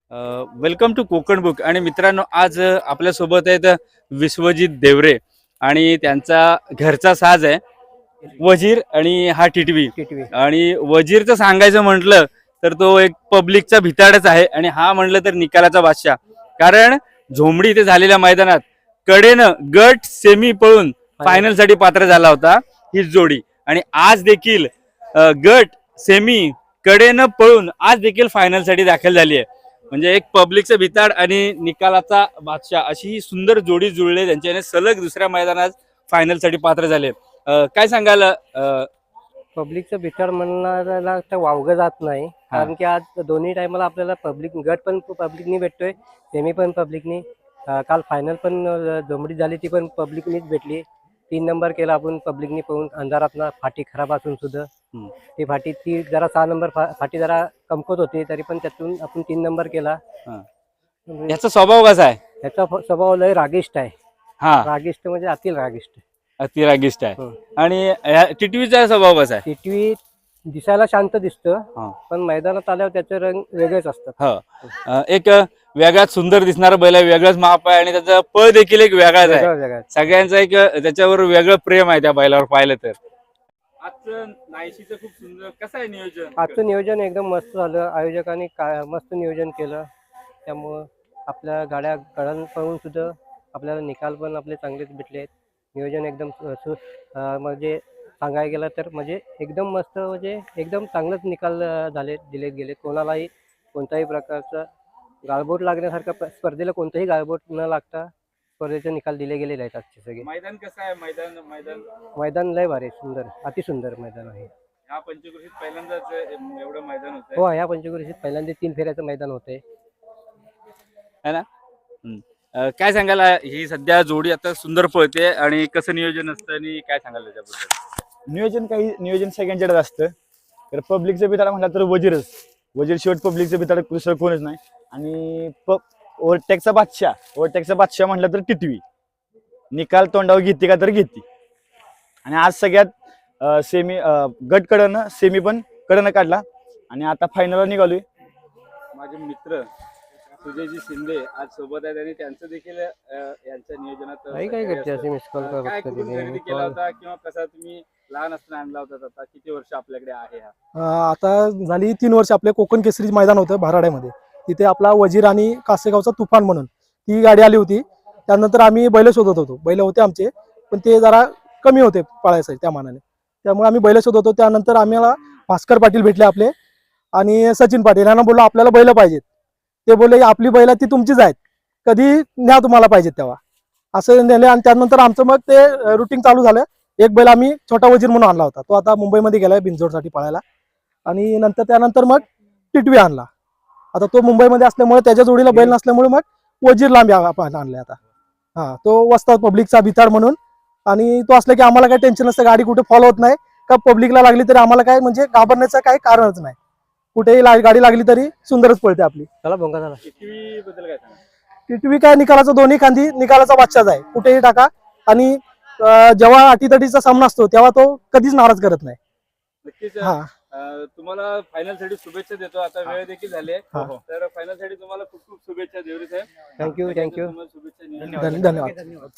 Welcome to Konkan book. आणि मित्रांनो, आज आपल्यासोबत आहेत विश्वजित देवरे आणि त्यांचा घरचा साज आहे वजीर आणि हा टिटवी. टिटवी. आणि वजीरचं सांगायचं म्हटलं तर तो एक पब्लिकचा भिताडच आहे आणि हा म्हटलं तर निकालाचा बादशाह. कारण झोंबडी इथे झालेल्या मैदानात कडेनं गट सेमी पळून फायनल साठी पात्र झाला होता ही जोडी. आणि आज देखील गट सेमी कडेनं पळून आज देखील फायनल साठी दाखल झाली आहे. म्हणजे एक पब्लिकचं भिताड आणि निकालाचा बादशाह अशी ही सुंदर जोडी जुळले, त्यांच्याने सलग दुसऱ्या मैदानात फायनल साठी पात्र झाले. काय सांगाल? पब्लिकचं भितर म्हणणाऱ्याला तर वावगं जात नाही, कारण की आज दोन्ही टायमाला आपल्याला पब्लिक गट पण पब्लिकनी भेटतोय, सेमी पण पब्लिकनी. काल फायनल पण जमडी झाली ती पण पब्लिकनीच भेटली. 3 नंबर केला आपण पब्लिकनी पाहून अंधारातना, फाटी खराब असून सुद्धा ती फाटी ती जरा 6 नंबर फाटी जरा कमकत होती, तरी पण त्यातून आपण 3 नंबर केला. याचा स्वभाव कसा आहे? त्याचा स्वभाव लय रागिष्ट आहे. हा, रागिष्ट म्हणजे अति रागिष्ट, अति रागिष्ट आहे. आणि टिटवीचा स्वभाव कसा आहे? टिटवी दिसायला शांत दिसतं, पण मैदानात आल्यावर त्याचे रंग वेगळेच असतात. एक वेगळाच सुंदर दिसणारा बैल आहे, वेगळाच माप आहे आणि त्याचा पळ देखील एक वेगळाच आहे. सगळ्यांचा एक त्याच्यावर वेगळं प्रेम आहे त्या बैलावर पाहिलं तर. आजचं नायशीचं खूप सुंदर कसं आहे नियोजन? आजचं नियोजन एकदम मस्त झालं. आयोजकांनी मस्त नियोजन केलं, त्यामुळं आपल्या गाड्या गळण पळून सुद्धा आपल्याला निकाल पण आपले चांगलेच भेटले आहेत. नियोजन एकदम म्हणजे सांगायला गेलं तर म्हणजे एकदम मस्त, म्हणजे एकदम चांगलंच निकाल दिले गेले. कोणालाही कोणत्याही प्रकारचा गाळबोट लागण्यासारखा स्पर्धेला कोणताही गाळबोट न लागता स्पर्धेचे निकाल दिले गेलेले आहेत आजचे सगळे. मैदान कसं आहे? मैदान लय भारी, सुंदर, अतिसुंदर मैदान आहे. ह्या पंचक्रोशीत पहिल्यांदाच एवढं मैदान होतं. हो, ह्या पंचक्रोशीत पहिल्यांदा 3 फेऱ्याचं मैदान होतंय, है ना? काय सांगाल? ही सध्या जोडी आता सुंदर पळते आणि कसं नियोजन असतं आणि काय सांगाल त्याच्याबद्दल? नियोजन सगळ्यांच्याकडे असतं. तर पब्लिकचं भिताड म्हटलं तर वजीरच. वजीर शेवट पब्लिकचं भिताड दुसरं कोणच नाही. आणि ओव्हरटेकचा बादशाह म्हटलं तर टिटवी. निकाल तोंडावर घेते का तर घेते. आणि आज सगळ्यात सेमी गट कडनं सेमी पण कडनं काढला आणि आता फायनलला निघालोय. माझे मित्र सुजयजी शिंदे आज सोबत आहेत आणि त्यांचं देखील यांच्या नियोजनात काय करते असे मिस कॉल काय कुठून खरेदी केला होता किंवा कसा तुम्ही लहान असताना आणला होता? आता किती वर्ष आपल्याकडे आहे हा? आता झाली 3 वर्ष. आपले कोकण केसरी मैदान होतं भाराड्यामध्ये, तिथे आपला वजीर आणि कासेगावचा तुफान म्हणून ती गाडी आली होती. त्यानंतर आम्ही बैल शोधत होतो. बैल होते आमचे, पण ते जरा कमी होते पाळायसाठी त्या मानाने, त्यामुळे आम्ही बैल शोधत होतो. त्यानंतर आम्हाला भास्कर पाटील भेटले आपले आणि सचिन पाटील. यांना बोललो आपल्याला बैल पाहिजेत. ते बोलले आपली बैल ती तुमचीच आहेत, कधी न्या तुम्हाला पाहिजेत तेव्हा, असं नेले. आणि त्यानंतर आमचं मग ते रुटीन चालू झालं. एक बैल आम्ही छोटा वजीर म्हणून आणला होता, तो आता मुंबईमध्ये गेलाय बिनजोडसाठी पळायला. आणि त्यानंतर मग टिटवी आणला. आता तो मुंबईमध्ये असल्यामुळे त्याच्या जोडीला बैल नसल्यामुळे मग वजीर लांबी आणलाय आता. तो वस्ताद पब्लिकचा भिताड म्हणून. आणि तो असला की आम्हाला काही टेन्शन नसतं, गाडी कुठे फॉलो होत नाही का, पब्लिकला लागली तरी आम्हाला काय म्हणजे घाबरण्याचं काही कारणच नाही. कुठेही गाडी लागली तरी सुंदरच पळते आपली. चला भोंगा झाला. टिटवी बद्दल काय सांगा? टिटवी काय निकालाचा दोन्ही खांदी निकालाचा बादशाह आहे, कुठेही टाका. आणि जेव्हा अटीतटीचा सामना असतो तेव्हा तो कधीच नाराज करत नाही. नक्कीच. तुम्हाला फायनल साठी शुभेच्छा देतो. आता वेळ देखील झाली आहे, तर फायनल साठी तुम्हाला खूप खूप शुभेच्छा देवरे साहेब. थँक्यू. धन्यवाद.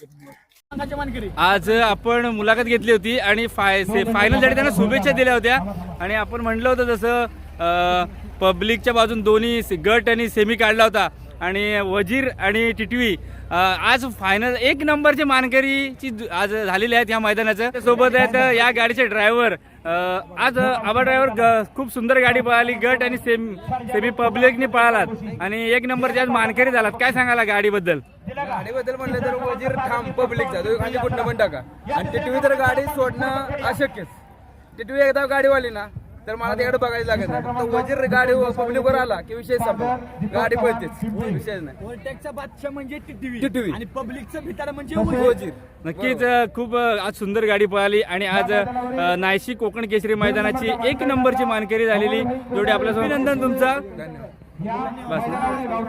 आज आपण मुलाखत घेतली होती आणि फायनल साठी त्यांना शुभेच्छा दिल्या होत्या. आणि आपण म्हटलं होतं जसं पब्लिकच्या बाजून दोन्ही गट आणि सेमी काढला होता आणि वजीर आणि टिटवी आज फायनल 1 नंबरचे मानकरीची आज झालेली आहेत या मैदानाचं. सोबत आहेत या गाडीचे ड्रायव्हर. आज आबा ड्रायव्हर खूप सुंदर गाडी पळाली, गट आणि सेमी पब्लिकने पळालात आणि 1 नंबरचे आज मानकरी झालात. काय सांगाला गाडीबद्दल? गाडीबद्दल म्हणलं तर वजीर ठाम पब्लिकचा, तो खाली कुठं पण टाका. आणि टिटवी तर गाडी सोडणं अशक्यच. टिटवी एकदा गाडीवाली ना तर मला तिकडे बघायला लागत नाही. तर वजीर गाडी पब्लिकवर आला की विषय संपला, गाडी पळतेच, विषय नाही. ओव्हरटेकचा बादशाह म्हणजे टिटवी आणि पब्लिकचं भिताड म्हणजे वजीर. नक्कीच खूप आज सुंदर गाडी पळाली आणि आज नायशी कोकण केसरी मैदानाची 1 नंबरची मानकरी झालेली जोडी आपल्यासमोर. अभिनंदन तुमचा. धन्यवाद. बस.